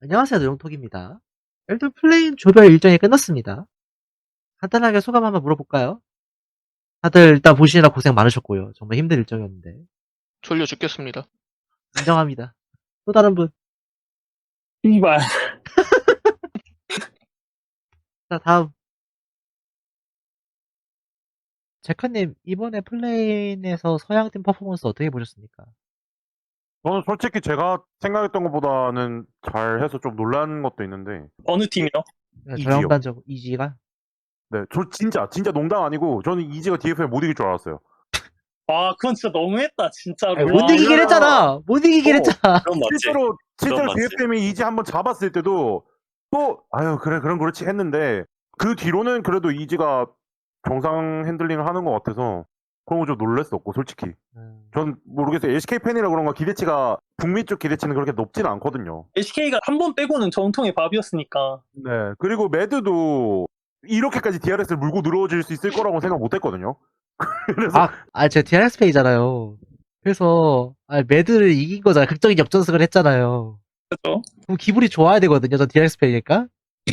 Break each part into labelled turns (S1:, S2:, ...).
S1: 안녕하세요. 노영톡입니다. 일단 플레인 조별 일정이 끝났습니다. 간단하게 소감 한번 물어볼까요? 다들 일단 보시느라 고생 많으셨고요. 정말 힘든 일정이었는데.
S2: 졸려 죽겠습니다.
S1: 인정합니다. 또 다른 분.
S3: 이발.
S1: 자, 다음. 제카님, 이번에 플레인에서 서양팀 퍼포먼스 어떻게 보셨습니까?
S4: 저는 솔직히 제가 생각했던 것보다는 잘해서 좀 놀란 것도 있는데,
S3: 어느 팀이요?
S4: 이지요.
S1: 저양반적 이지가?
S4: 네, 저 진짜 농담 아니고, 저는 이지가 DFL 못 이길 줄 알았어요.
S3: 아, 그건 진짜 너무했다, 진짜로.
S1: 아니, 못 이기긴
S4: 이거야.
S1: 했잖아. 못 이기긴 했잖아.
S5: 그건 맞지.
S4: 실제로
S5: 그건 맞지.
S4: DFM이 이지 한번 잡았을 때도, 또, 아유, 그래, 그럼 그렇지 했는데, 그 뒤로는 그래도 이지가 정상 핸들링을 하는 것 같아서, 그런 거 좀 놀랬었고, 솔직히. 전 모르겠어요. LCK 팬이라 그런가 기대치가, 북미 쪽 기대치는 그렇게 높지는 않거든요.
S3: LCK가 한 번 빼고는 정통의 밥이었으니까.
S4: 네. 그리고 매드도 이렇게까지 DRS를 물고 늘어질 수 있을 거라고 생각 못 했거든요. 그래서
S1: 제가 DRX 페이잖아요. 그래서, 매드를 이긴 거잖아요. 극적인 역전승을 했잖아요.
S3: 그죠?
S1: 그럼 기분이 좋아야 되거든요. 저 DRX 페이니까.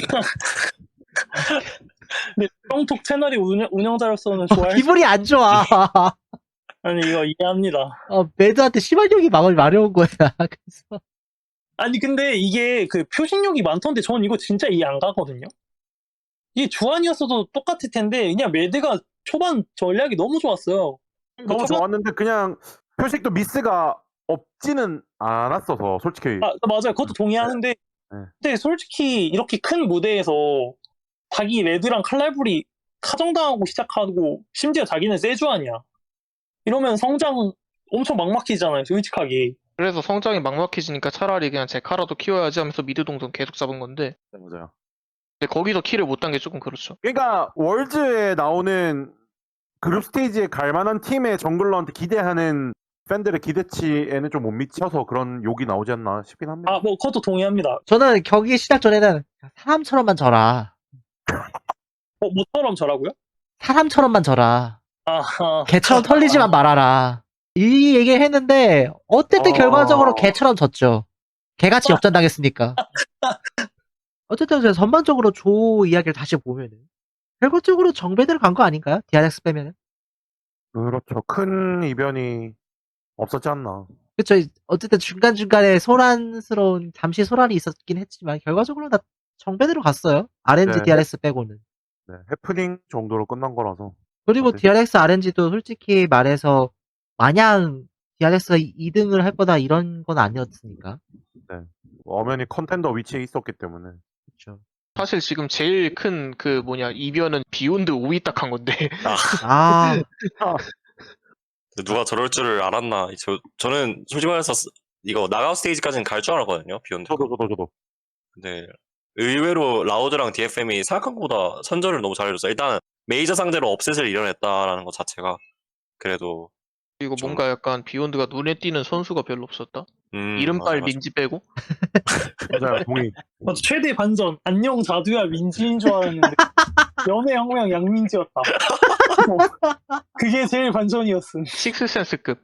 S3: 근데 정톡 채널이 운영자로서는 좋아할 수...
S1: 기분이 안 좋아.
S3: 아니, 이거 이해합니다.
S1: 매드한테 시발력이 막을 마려운 거야. 그래서.
S3: 아니, 근데 이게 그 표식력이 많던데 전 이거 진짜 이해 안 가거든요? 이게 주안이었어도 똑같을 텐데, 그냥 매드가 초반 전략이 너무 좋았어요.
S4: 너무 좋았는데 그냥 표식도 미스가 없지는 않았어서 솔직히.
S3: 아, 맞아요. 그것도 동의하는데,
S4: 네.
S3: 근데 솔직히 이렇게 큰 무대에서 자기 레드랑 칼날불이 카정당하고 시작하고 심지어 자기는 세주안이야. 이러면 성장 엄청 막막해지잖아요, 솔직하게.
S2: 그래서 성장이 막막해지니까 차라리 그냥 제 카라도 키워야지 하면서 미드 동선 계속 잡은 건데,
S4: 네, 맞아요.
S2: 근데 거기서 킬을 못 딴 게 조금 그렇죠.
S4: 그러니까 월즈에 나오는 그룹 스테이지에 갈 만한 팀의 정글러한테 기대하는 팬들의 기대치에는 좀 못 미쳐서 그런 욕이 나오지 않나 싶긴 합니다.
S3: 아, 뭐 그것도 동의합니다.
S1: 저는 경기 시작 전에는 사람처럼만 져라.
S3: 뭐처럼 저라고요?
S1: 사람처럼만 져라.
S3: 아,
S1: 개처럼 털리지만 말아라. 이 얘기를 했는데 어쨌든 결과적으로 개처럼 졌죠. 개같이 역전당했으니까. 어쨌든 제가 전반적으로 조 이야기를 다시 보면은 결과적으로 정배대로 간 거 아닌가요? DRX 빼면은.
S4: 그렇죠. 큰 이변이 없었지 않나.
S1: 그쵸. 어쨌든 중간중간에 소란스러운 잠시 소란이 있었긴 했지만 결과적으로 다 정배대로 갔어요. RNG
S4: 네.
S1: DRX 빼고는.
S4: 네, 해프닝 정도로 끝난 거라서.
S1: 그리고
S4: 어때?
S1: DRX RNG도 솔직히 말해서 마냥 DRX가 2등을 할 거다 이런 건 아니었으니까.
S4: 엄연히 컨텐더 위치에 있었기 때문에.
S1: 그쵸.
S2: 사실 지금 제일 큰 이변은 비욘드 5위 딱 한 건데,
S1: 아,
S5: 누가 저럴 줄을 알았나. 저는 솔직히 말해서 이거 나가우 스테이지까지는 갈 줄 알았거든요, 비욘드.
S4: 저도.
S5: 근데 의외로 라우드랑 DFM이 생각한 것보다 선전을 너무 잘해줬어요. 일단 메이저 상대로 업셋을 이뤄냈다라는 것 자체가 그래도
S2: 그리고
S5: 좀-
S2: 뭔가 약간 비욘드가 눈에 띄는 선수가 별로 없었다? 이름빨
S5: 맞아.
S2: 민지 빼고?
S4: 맞아요, 동의.
S3: 맞아, 최대 반전. 안녕 자두야 민지인 줄 알았는데 연애혁명 양민지였다. 그게 제일 반전이었음.
S2: 식스센스급.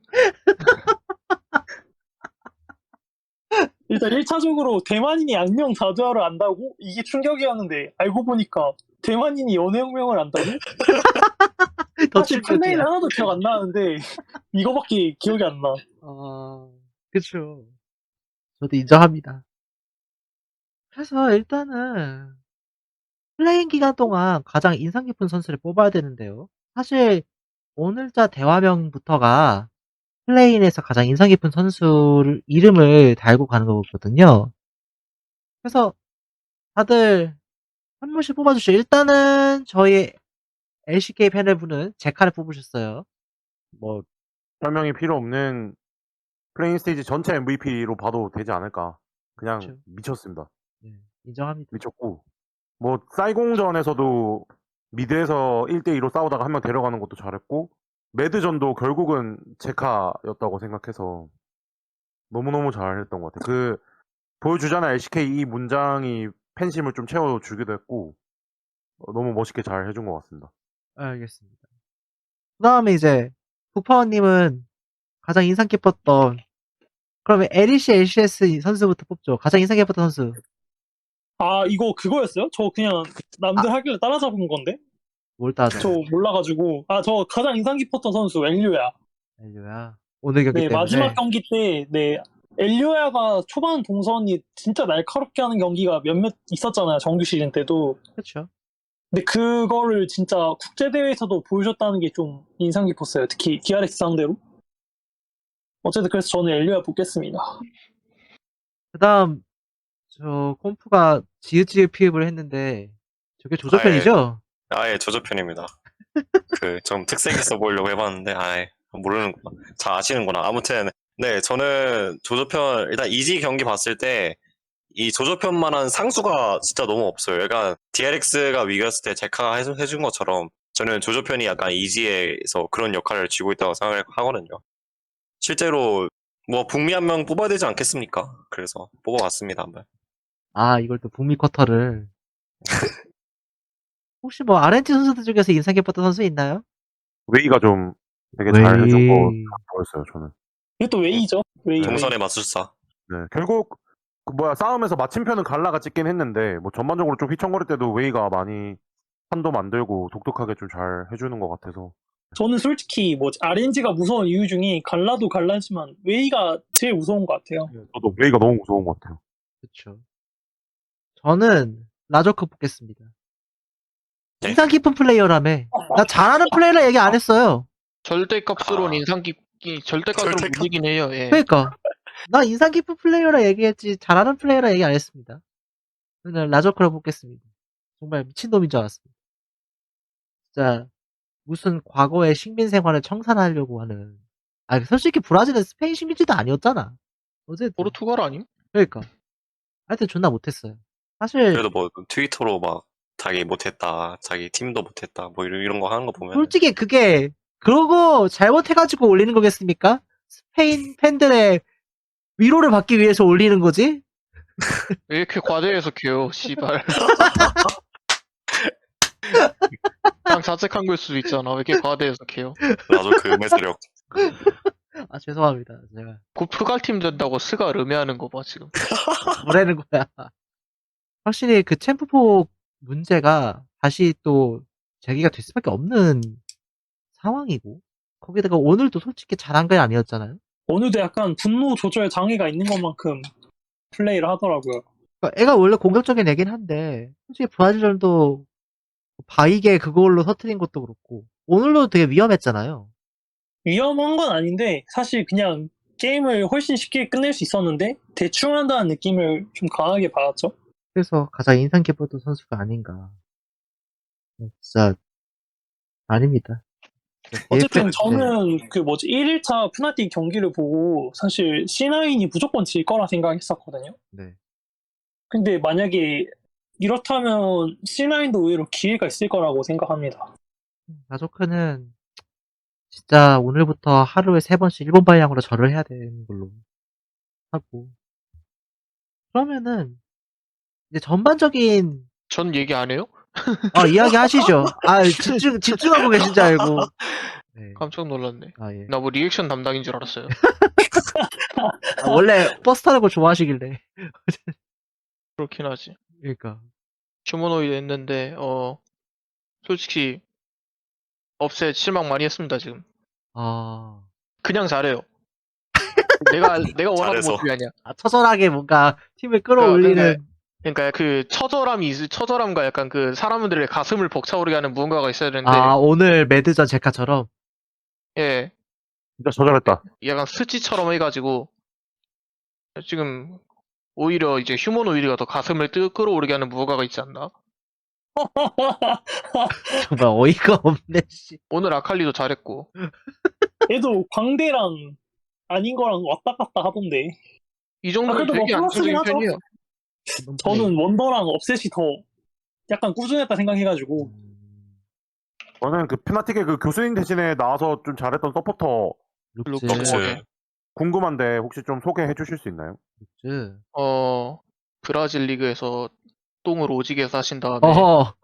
S3: 일단 1차적으로 대만인이 안녕 자두야를 안다고? 이게 충격이었는데 알고 보니까 대만인이 연애혁명을 안다고?
S1: 더
S3: 사실 플레이는
S1: 충격이야.
S3: 하나도 기억 안 나는데 이거밖에 기억이 안 나.
S1: 그쵸. 저도 인정합니다. 그래서 일단은 플레잉 기간 동안 가장 인상 깊은 선수를 뽑아야 되는데요. 사실 오늘자 대화명부터가 플레인에서 가장 인상 깊은 선수를 이름을 달고 가는 거거든요. 그래서 다들 한 분씩 뽑아주시죠. 일단은 저희 LCK 패널분은 제카를 뽑으셨어요.
S4: 뭐 설명이 필요 없는 플레인 스테이지 전체 MVP로 봐도 되지 않을까. 그냥
S1: 그쵸.
S4: 미쳤습니다.
S1: 네, 인정합니다.
S4: 미쳤고 뭐 쌀공전에서도 미드에서 1대2로 싸우다가 한 명 데려가는 것도 잘했고 매드전도 결국은 제카였다고 생각해서 너무너무 잘했던 것 같아요. 그 보여주잖아 LCK 이 문장이 팬심을 좀 채워주기도 했고 너무 멋있게 잘 해준 것 같습니다.
S1: 알겠습니다. 그 다음에 이제 부파원님은 가장 인상 깊었던 그러면 LEC, LCS 선수부터 뽑죠. 가장 인상 깊었던 선수.
S3: 아, 이거 그거였어요? 저 그냥 남들 하길래 따라잡은 건데?
S1: 뭘 따져?
S3: 저 몰라가지고. 아, 저 가장 인상 깊었던 선수 엘리오야.
S1: 엘리오야. 오늘 경기
S3: 네,
S1: 때문에.
S3: 마지막 경기 때, 네, 엘리오야가 초반 동선이 진짜 날카롭게 하는 경기가 몇몇 있었잖아요. 정규 시즌 때도.
S1: 그렇죠.
S3: 근데 그거를 진짜 국제대회에서도 보여줬다는 게 좀 인상 깊었어요. 특히 DRX 상대로. 어쨌든 그래서 저는 엘리오야 뽑겠습니다.
S1: 그다음 저 콤프가 지읒지읒 피읍을 했는데 저게 조조편이죠?
S5: 아예 조조편입니다. 그 좀 특색 있어 보이려고 해봤는데 아예 모르는구나. 잘 아시는구나. 아무튼 네 저는 조조편 일단 이지 경기 봤을 때 이 조조편만한 상수가 진짜 너무 없어요. 약간 DRX가 위기였을 때 제카가 해준 것처럼 저는 조조편이 약간 이지에서 그런 역할을 쥐고 있다고 생각하거든요. 실제로 뭐 북미 한 명 뽑아야 되지 않겠습니까? 그래서 뽑아봤습니다 한번.
S1: 아, 이걸 또 북미 쿼터를. 혹시 뭐 RNG 선수들 중에서 인상 깊었던 선수 있나요?
S4: 웨이가 좀 되게 잘 해준 거
S1: 웨이.
S4: 보였어요, 저는.
S3: 이것도 웨이죠. 웨이.
S5: 동선의 마술사.
S4: 네, 결국 싸움에서 마침표는 갈라가 찍긴 했는데 뭐 전반적으로 좀 휘청거릴 때도 웨이가 많이 판도 만들고 독특하게 좀 잘 해주는 것 같아서.
S3: 저는 솔직히 뭐 RNG가 무서운 이유 중에 갈라도 갈라지만 웨이가 제일 무서운 것 같아요.
S4: 저도 웨이가 너무 무서운 것 같아요.
S1: 그쵸. 저는 라저크 뽑겠습니다.
S5: 네?
S1: 인상 깊은 플레이어라며. 나 잘하는 플레이라 얘기 안 했어요.
S2: 절대값으로는
S5: 아.
S2: 인상 깊기, 절대값으로
S5: 절대값.
S2: 못 이긴 해요. 예.
S1: 그러니까 나 인상 깊은 플레이어라 얘기했지 잘하는 플레이어라 얘기 안 했습니다. 저는 라저크를 뽑겠습니다. 정말 미친놈인 줄 알았습니다. 진짜 무슨 과거의 식민 생활을 청산하려고 하는. 아, 솔직히 브라질은 스페인 식민지도 아니었잖아. 어쨌든
S2: 포르투갈 아님?
S1: 그러니까 하여튼 존나 못했어요. 사실
S5: 그래도 뭐 트위터로 막 자기 못했다, 자기 팀도 못했다, 뭐 이런 거 하는 거 보면
S1: 솔직히 그게 그러고 잘못해가지고 올리는 거겠습니까? 스페인 팬들의 위로를 받기 위해서 올리는 거지?
S2: 왜 이렇게 과대해서 켜요, 씨발. 그냥 자책한 걸 수도 있잖아. 왜 이렇게 과대해서 켜요?
S5: 나도 그 매스력.
S1: 아, 죄송합니다. 제가
S2: 곧 프갈팀 된다고 스가 르메하는 거 봐, 지금.
S1: 뭐라는 거야. 확실히 그 챔프폭 문제가 다시 또 제기가 될 수밖에 없는 상황이고, 거기다가 오늘도 솔직히 잘한 건 아니었잖아요.
S3: 오늘도 약간 분노 조절 장애가 있는 것만큼 플레이를 하더라고요.
S1: 그러니까 애가 원래 공격적인 애긴 한데, 솔직히 브라질전도 바이게 그걸로 터트린 것도 그렇고, 오늘도 되게 위험했잖아요.
S3: 위험한 건 아닌데 사실 그냥 게임을 훨씬 쉽게 끝낼 수 있었는데 대충 한다는 느낌을 좀 강하게 받았죠.
S1: 그래서 가장 인상 깊었던 선수가 아닌가. 진짜 아닙니다.
S3: 어쨌든
S1: 네.
S3: 저는 그 1일차 푸나틱 경기를 보고 사실 C9이 무조건 질 거라 생각했었거든요.
S1: 네.
S3: 근데 만약에 이렇다면 C9도 의외로 기회가 있을 거라고 생각합니다.
S1: 라조크는 진짜 오늘부터 하루에 3번씩 일본 방향으로 절을 해야 되는 걸로 하고. 그러면은 이제 전반적인
S2: 전 얘기 안 해요?
S1: 이야기 하시죠. 아, 집중하고 계신 줄 알고. 네.
S2: 깜짝 놀랐네.
S1: 아, 예.
S2: 나 뭐 리액션 담당인 줄 알았어요.
S1: 아, 원래 버스 타는 거 좋아하시길래.
S2: 그렇긴 하지.
S1: 그러니까.
S2: 휴머노이드 했는데, 솔직히, 업셋 실망 많이 했습니다, 지금.
S1: 아,
S2: 그냥 잘해요. 내가 원하는
S5: 잘해서.
S2: 모습이 아니야.
S1: 처절하게 뭔가 팀을 끌어올리는.
S2: 그러니까 그 처절함과 약간 그 사람들의 가슴을 벅차오르게 하는 무언가가 있어야 되는데,
S1: 오늘 매드전 제카처럼.
S2: 예,
S4: 진짜 저잘했다.
S2: 약간 스치처럼 해가지고, 지금, 오히려 이제 휴머노이드가 더 가슴을 끌어오르게 하는 무언가가 있지 않나?
S1: 정말 어이가 없네, 씨.
S2: 오늘 아칼리도 잘했고,
S3: 얘도 광대랑 아닌 거랑 왔다 갔다 하던데.
S2: 이 정도면
S3: 그래도 뭐
S2: 되게
S3: 플러스긴
S2: 안정적인
S3: 하죠.
S2: 편이에요.
S3: 저는 원더랑 업셋이 더 약간 꾸준했다 생각해가지고.
S4: 저는 그 푸나틱의 그 교수님 대신에 나와서 좀 잘했던 서포터
S1: 룩즈.
S5: 럭스.
S4: 궁금한데 혹시 좀 소개해 주실 수 있나요?
S1: 룩즈.
S2: 브라질 리그에서 똥을 오지게 싸신 다음에,
S1: 어허.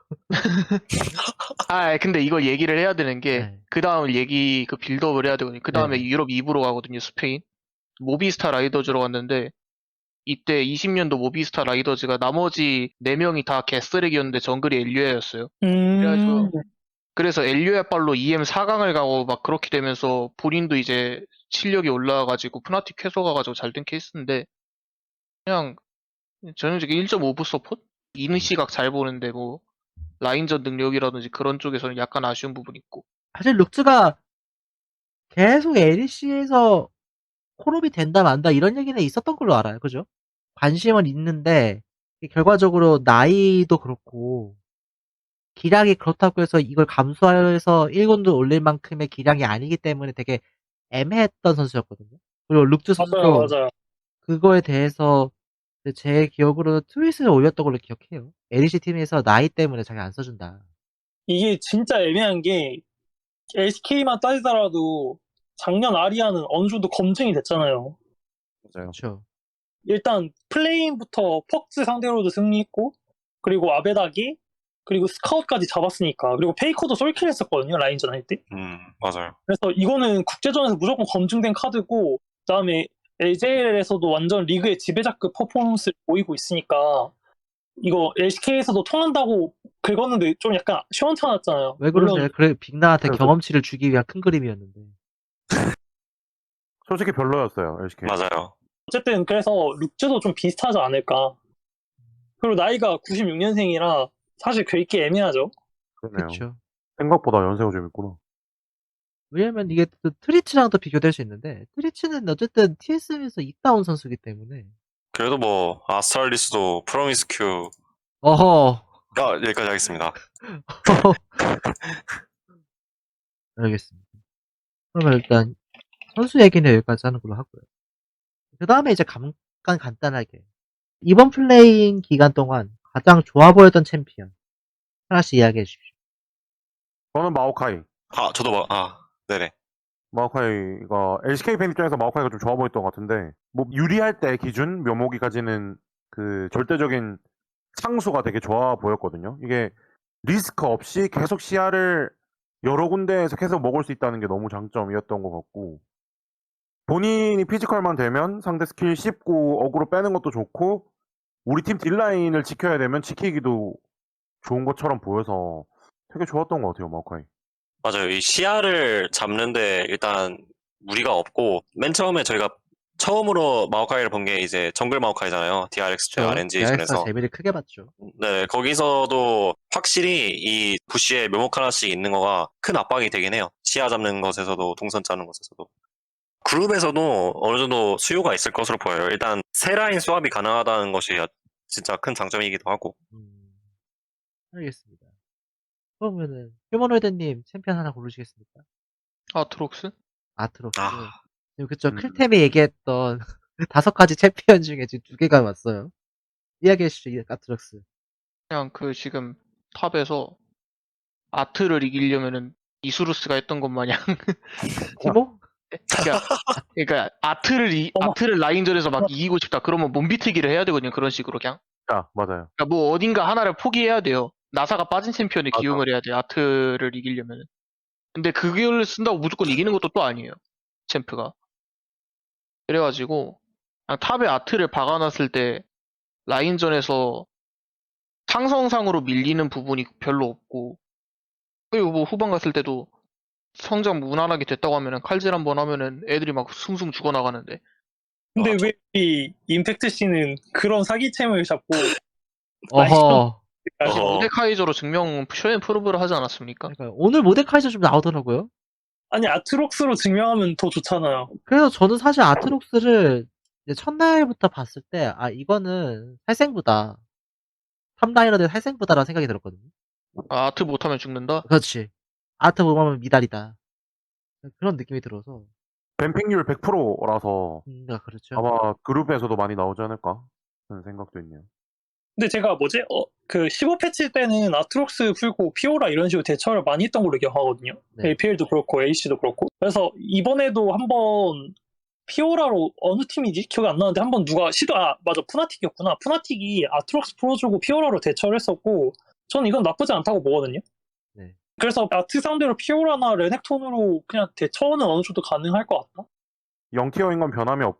S2: 근데 이거 얘기를 해야 되는 게,
S1: 네.
S2: 그 다음 그 빌드업을 해야 되거든요. 그 다음에
S1: 네.
S2: 유럽 2부로 가거든요, 스페인. 모비스타 라이더즈로 갔는데, 이때 20년도 모비스타 라이더즈가 나머지 4명이 다 개쓰레기였는데 정글이 엘리아였어요. 그래가지고 그래서 엘리아 빨로 EM 4강을 가고 막 그렇게 되면서 본인도 이제 실력이 올라와가지고 푸나틱 해소 가가지고 잘 된 케이스인데 그냥 전형적인 1.5부 서폿? 이는 시각 잘 보는데 뭐 라인전 능력이라든지 그런 쪽에서는 약간 아쉬운 부분이 있고.
S1: 사실 룩즈가 계속 LEC에서 콜업이 된다 만다 이런 얘기는 있었던 걸로 알아요. 그죠? 관심은 있는데 결과적으로 나이도 그렇고 기량이 그렇다고 해서 이걸 감수해서 1군도 올릴 만큼의 기량이 아니기 때문에 되게 애매했던 선수였거든요. 그리고 룩즈
S3: 맞아요,
S1: 선수도
S3: 맞아요.
S1: 그거에 대해서 제 기억으로는 트윗을 올렸던 걸로 기억해요. LEC 팀에서 나이 때문에 자기 안 써준다.
S3: 이게 진짜 애매한 게 SK만 따지더라도 작년 아리아는 어느 정도 검증이 됐잖아요.
S4: 맞아요.
S1: 그렇죠.
S3: 일단 플레인부터 퍽스 상대로도 승리했고 그리고 아베다기 그리고 스카웃까지 잡았으니까 그리고 페이커도 솔킬 했었거든요 라인전 할 때.
S5: 맞아요.
S3: 그래서 이거는 국제전에서 무조건 검증된 카드고 그다음에 LJL에서도 완전 리그의 지배자급 퍼포먼스를 보이고 있으니까 이거 LCK에서도 통한다고 긁었는데 좀 약간 시원찮았잖아요.
S1: 왜 그러세요?
S3: 물론
S1: 그래 빅나한테
S4: 그래서-
S1: 경험치를 주기 위한 큰 그림이었는데.
S4: 솔직히 별로였어요, LCK.
S5: 맞아요.
S3: 어쨌든 그래서 룩즈도 좀 비슷하지 않을까. 그리고 나이가 96년생이라 사실 긁기 애매하죠.
S4: 그러네요.
S1: 그렇죠.
S4: 생각보다 연세가 좀 있구나.
S1: 왜냐면 이게 또 트리치랑도 비교될 수 있는데 트리치는 어쨌든 TSM에서 이따온 선수기 때문에
S5: 그래도 뭐 아스트랄리스도 프로미스큐
S1: 어허
S5: 여기까지 하겠습니다.
S1: 알겠습니다. 그러면 일단 선수 얘기는 여기까지 하는 걸로 하고요. 그 다음에 이제 잠깐 간단하게 이번 플레이잉 기간 동안 가장 좋아 보였던 챔피언 하나씩 이야기해 주십시오.
S4: 저는 마오카이.
S5: 저도 네네.
S4: 마오카이가 LCK 팬 입장에서 마오카이가 좀 좋아 보였던 것 같은데 뭐 유리할 때 기준 묘목이 가지는 그 절대적인 상수가 되게 좋아 보였거든요. 이게 리스크 없이 계속 시야를 여러 군데에서 계속 먹을 수 있다는 게 너무 장점이었던 것 같고 본인이 피지컬만 되면 상대 스킬 씹고 어그로 빼는 것도 좋고 우리 팀 딜라인을 지켜야 되면 지키기도 좋은 것처럼 보여서 되게 좋았던 것 같아요, 마오카이.
S5: 맞아요. 이 시야를 잡는데 일단 무리가 없고 맨 처음에 저희가 처음으로 마오카이를 본 게 이제 정글 마오카이잖아요. DRX 때 RNG
S1: DRX가
S5: 전에서.
S1: 재미를 크게 봤죠.
S5: 네, 거기서도 확실히 이 부시에 묘목 하나씩 있는 거가 큰 압박이 되긴 해요. 시야 잡는 것에서도 동선 짜는 것에서도. 그룹에서도 어느 정도 수요가 있을 것으로 보여요. 일단 세 라인 수합이 가능하다는 것이 진짜 큰 장점이기도 하고.
S1: 알겠습니다. 그러면은 휴머노이드님 챔피언 하나 고르시겠습니까?
S2: 아트록스?
S1: 아트록스.
S5: 아.
S1: 지금 그쵸
S4: 음.
S1: 클템이 얘기했던 5가지 챔피언 중에 지금 2개가 왔어요. 이야기해 주시죠, 이 아트록스.
S2: 그냥 그 지금 탑에서 아트를 이기려면은 이수루스가 했던 것 마냥
S1: 티모?
S2: 그러니까
S3: 어머.
S2: 아트를 라인전에서 막 이기고 싶다 그러면 몸비트기를 해야 되거든요. 그런 식으로 그냥.
S4: 맞아요.
S2: 그러니까 뭐 어딘가 하나를 포기해야 돼요. 나사가 빠진 챔피언에
S4: 맞아.
S2: 기용을 해야 돼요. 아트를 이기려면은. 근데 그걸 쓴다고 무조건 이기는 것도 또 아니에요. 챔프가. 그래가지고 그냥 탑에 아트를 박아놨을 때 라인전에서 상성상으로 밀리는 부분이 별로 없고 그리고 뭐 후반 갔을 때도 성장 무난하게 됐다고 하면은 칼질 한번 하면은 애들이 막 숭숭 죽어나가는데
S3: 근데
S5: 맞아.
S3: 왜 이 임팩트 씨는 그런 사기챔을 잡고
S1: 어허.
S2: 사실
S5: 어허.
S2: 모데카이저로 증명 쇼앤 프로브를 하지 않았습니까?
S1: 그러니까 오늘 모데카이저 좀 나오더라고요.
S3: 아니 아트록스로 증명하면 더 좋잖아요.
S1: 그래서 저는 사실 아트록스를 이제 첫날부터 봤을 때, 이거는 살생부다. 탑라이너 대 살생부다라는 생각이 들었거든요.
S2: 아트 못하면 죽는다?
S1: 그렇지. 아트 보면 미달이다. 그런 느낌이 들어서.
S4: 뱀픽률 100%라서
S1: 그렇죠.
S4: 아마 그룹에서도 많이 나오지 않을까 하는 생각도 있네요.
S3: 근데 제가 그 15패치 때는 아트록스 풀고 피오라 이런 식으로 대처를 많이 했던 걸로 기억하거든요.
S1: 네.
S3: APL도 그렇고 AC도 그렇고. 그래서 이번에도 한번 피오라로 어느 팀이지? 기억이 안 나는데 한번 누가 맞아 푸나틱이었구나. 푸나틱이 아트록스 풀어주고 피오라로 대처를 했었고 저는 이건 나쁘지 않다고 보거든요.
S1: 네.
S3: 그래서 아트 상대로 피오라나 레넥톤으로 그냥 대처는 어느 정도 가능할 것 같다.
S4: 0티어인 건 변함이 없고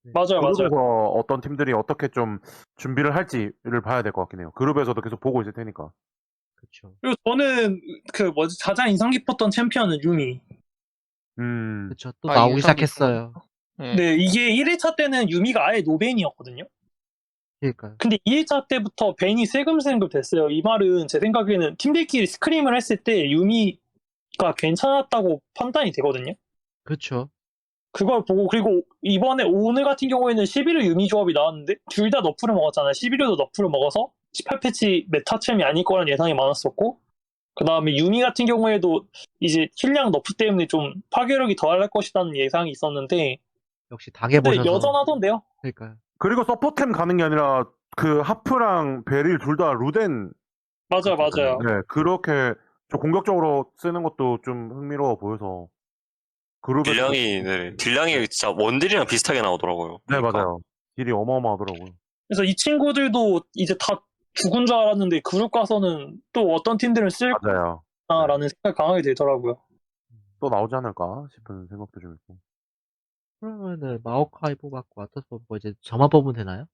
S3: 맞아요, 맞아요.
S4: 그룹에서 어떤 팀들이 어떻게 좀 준비를 할지를 봐야 될 것 같긴 해요. 그룹에서도 계속 보고 있을 테니까.
S1: 그쵸.
S3: 그리고 저는 가장 인상 깊었던 챔피언은 유미.
S1: 그쵸. 또
S2: 아,
S1: 나오기
S2: 인상 깊은
S1: 시작했어요.
S2: 네.
S3: 네, 이게 1일차 때는 유미가 아예 노벤이었거든요.
S1: 그러니까요.
S3: 근데 2일차 때부터 벤이 슬금슬금 됐어요. 이 말은 제 생각에는 팀들끼리 스크림을 했을 때 유미가 괜찮았다고 판단이 되거든요.
S1: 그쵸.
S3: 그걸 보고, 그리고 이번에 오늘 같은 경우에는 11호 유미 조합이 나왔는데 둘 다 너프를 먹었잖아요. 11호도 너프를 먹어서 18패치 메타챔이 아닐 거라는 예상이 많았었고, 그 다음에 유미 같은 경우에도 이제 킬량 너프 때문에 좀 파괴력이 더할 것이라는 예상이 있었는데,
S1: 역시
S3: 근데
S1: 당해보셔서.
S3: 여전하던데요.
S1: 그러니까요.
S4: 그리고 서포템 가는 게 아니라 그 하프랑 베릴 둘 다 루덴.
S3: 맞아요, 맞아요.
S4: 네, 그렇게 좀 공격적으로 쓰는 것도 좀 흥미로워 보여서. 그룹에서
S5: 딜량이 진짜 원딜이랑 비슷하게 나오더라고요.
S4: 네,
S5: 보니까.
S4: 맞아요. 딜이 어마어마하더라고요.
S3: 그래서 이 친구들도 이제 다 죽은 줄 알았는데 그룹 가서는 또 어떤 팀들은
S4: 맞아요.
S3: 쓸까라는 생각이 강하게 들더라고요.
S4: 또 나오지 않을까 싶은 생각도 좀 있고.
S1: 그러면은 마오카이 뽑았고 아토스 뽑고 이제 저만 뽑으면 되나요?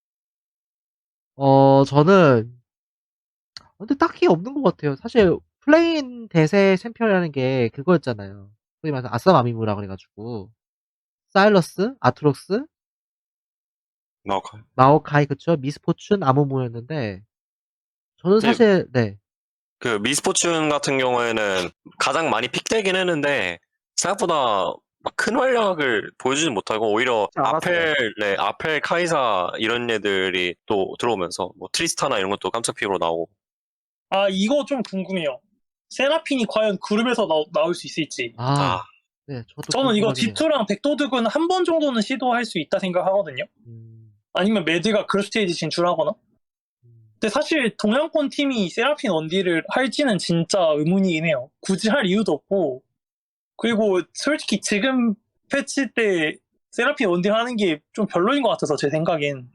S1: 저는 근데 딱히 없는 것 같아요. 사실 플레인 대세 챔피언이라는 게 그거였잖아요. 소위 말해서 아싸 마미무라 그래가지고 사일러스, 아트록스,
S5: 나오카이.
S1: 마오카이 그쵸? 미스포춘, 아무무였는데 저는
S5: 네.
S1: 사실 네.
S5: 그 미스포춘 같은 경우에는 가장 많이 픽되긴 했는데 생각보다 막 큰 활약을 보여주진 못하고 오히려
S4: 알았어요.
S5: 아펠, 카이사 이런 애들이 또 들어오면서 뭐 트리스타나 이런 것도 깜짝 픽으로 나오고.
S3: 아, 이거 좀 궁금해요. 세라핀이 과연 그룹에서 나올 수 있을지.
S5: 아,
S1: 네, 저도
S3: 저는 이거
S1: 궁금하긴 해요.
S3: 딥투랑 백도둑은 한 번 정도는 시도할 수 있다 생각하거든요. 아니면 매드가 그룹 스테이지 진출하거나. 근데 사실 동양권 팀이 세라핀 원딜을 할지는 진짜 의문이긴 해요. 굳이 할 이유도 없고. 그리고 솔직히 지금 패치 때 세라핀 원딜 하는 게 좀 별로인 것 같아서 제 생각엔.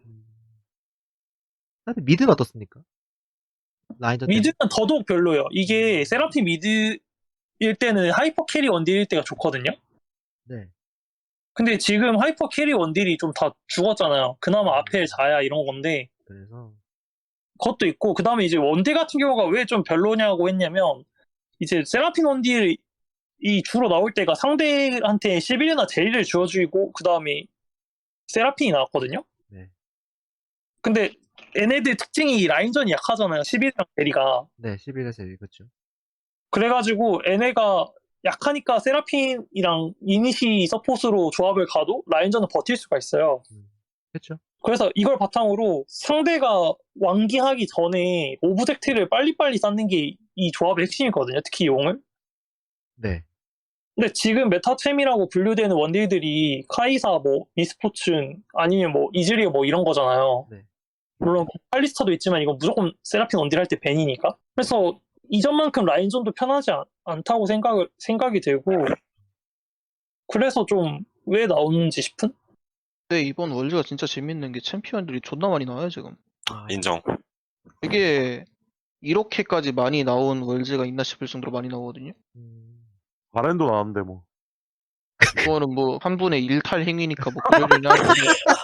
S1: 근데 미드는 어떻습니까? 라인전 때는?
S3: 미드는 더더욱 별로예요. 이게 세라핀 미드일 때는 하이퍼 캐리 원딜일 때가 좋거든요.
S1: 네.
S3: 근데 지금 하이퍼 캐리 원딜이 좀 다 죽었잖아요. 그나마 아펠, 자야 이런 건데
S1: 그래서
S3: 그것도 있고, 그 다음에 이제 원딜 같은 경우가 왜 좀 별로냐고 했냐면, 이제 세라핀 원딜이 주로 나올 때가 상대한테 시빌이나 제리를 주어주고 그 다음에 세라핀이 나왔거든요.
S1: 네.
S3: 근데 얘네들 특징이 라인전이 약하잖아요. 시빌이랑 제리가.
S1: 네, 11에서 1 그쵸.
S3: 그래가지고 얘네가 약하니까 세라핀이랑 이니시 서폿으로 조합을 가도 라인전은 버틸 수가 있어요.
S1: 그쵸.
S3: 그래서 이걸 바탕으로 상대가 완기하기 전에 오브젝트를 빨리빨리 쌓는 게 이 조합의 핵심이거든요. 특히 용을.
S1: 네.
S3: 근데 지금 메타챔이라고 분류되는 원딜들이 카이사, 뭐 미스포춘 아니면 뭐 이즈리어 뭐 이런 거잖아요.
S1: 네.
S3: 물론 칼리스타도 있지만 이건 무조건 세라핀 원딜 할 때 벤이니까. 그래서 이전만큼 라인전도 편하지 않다고 생각이 들고, 그래서 좀 왜 나오는지 싶은?
S2: 근데 이번 월즈가 진짜 재밌는 게 챔피언들이 존나 많이 나와요, 지금.
S5: 인정.
S2: 이게 이렇게까지 많이 나온 월즈가 있나 싶을 정도로 많이 나오거든요.
S4: 바렌도 나왔는데 뭐.
S2: 그거는 뭐 한 분의 일탈 행위니까 뭐 그러려니 하는데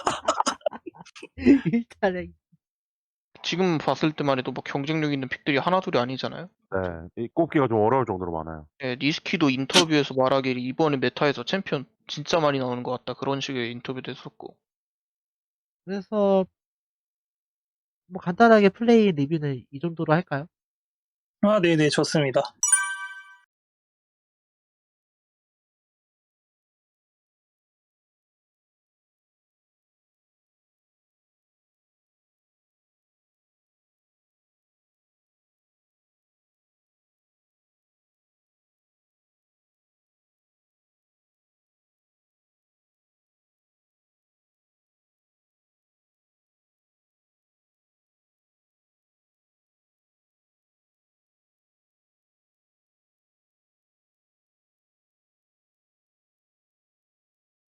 S1: 일단은
S2: 지금 봤을 때만 해도 뭐 경쟁력 있는 픽들이 하나둘이 아니잖아요.
S4: 네, 이 꼽기가 좀 어려울 정도로 많아요.
S2: 네, 니스키도 인터뷰에서 말하기를 이번에 메타에서 챔피언 진짜 많이 나오는 것 같다. 그런 식의 인터뷰도 했었고.
S1: 그래서 뭐 간단하게 플레이 리뷰는 이 정도로 할까요?
S3: 아, 네네, 좋습니다.